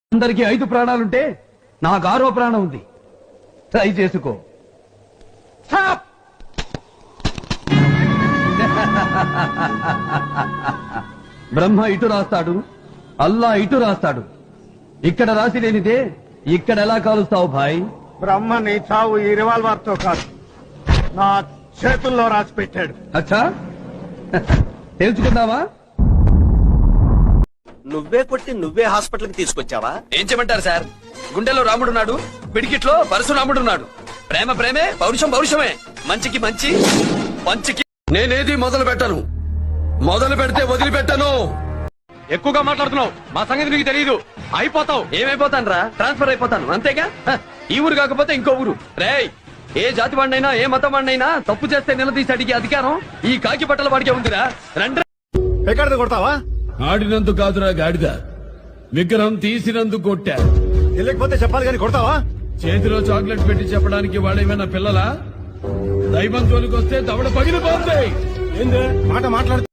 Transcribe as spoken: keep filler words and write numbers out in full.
అందరికి ఐదు ప్రాణాలుంటే నాకు ఆరో ప్రాణం ఉంది. ట్రై చేసుకో. బ్రహ్మ ఇటు రాస్తాడు, అల్లా ఇటు రాస్తాడు. ఇక్కడ రాసి లేనిదే ఇక్కడ ఎలా కాలుస్తావు భాయ్? బ్రహ్మ నీ చావు ఈ రివాల్వర్ తో కాదు, నా చేతుల్లో రాసి పెట్టాడు. అచ్చా, తెలుసుకుందావా? నువ్వే కొట్టి నువ్వే హాస్పిటల్ కి తీసుకొచ్చావా? ఏం చేయమంటారు సార్? గుండెలో రాముడున్నాడు, పిడికిట్లో పరశురాముడున్నాడు. ప్రేమ ప్రేమే, పౌరుషం పౌరుషమే. మంచికి మంచి, మంచికి నేనేది మొదలు పెట్టను. మొదలు పెడితే వదిలిపెట్టను. ఎక్కువగా మాట్లాడుతున్నావు, మా సంగతి నీకు తెలియదు. అయిపోతావు. ఏమైపోతాను రా? ట్రాన్స్ఫర్ అయిపోతాను అంతేగా. హ, ఈ ఊరు కాకపోతే ఇంకో ఊరు. రేయ్, ఏ జాతి వాడినైనా ఏ మతం వాడినైనా తప్పు చేస్తే నిలదీసి అడిగే అధికారం ఈ కాకి బట్టల వాడికే ఉందిరా. రండి. ఎక్కడ కొడతావా? ఆడినందుకు కాదురా గాడిద, విగ్రహం తీసినందుకు కొట్టా. వెళ్ళకపోతే చెప్పాలి కానీ కొడతావా? చేతిలో చాక్లెట్ పెట్టి చెప్పడానికి వాడేమైనా పిల్లలా? దైవం జోలికి వస్తే దవడ పగిలిపోతాయి. ఏంది మాట మాట్లాడు.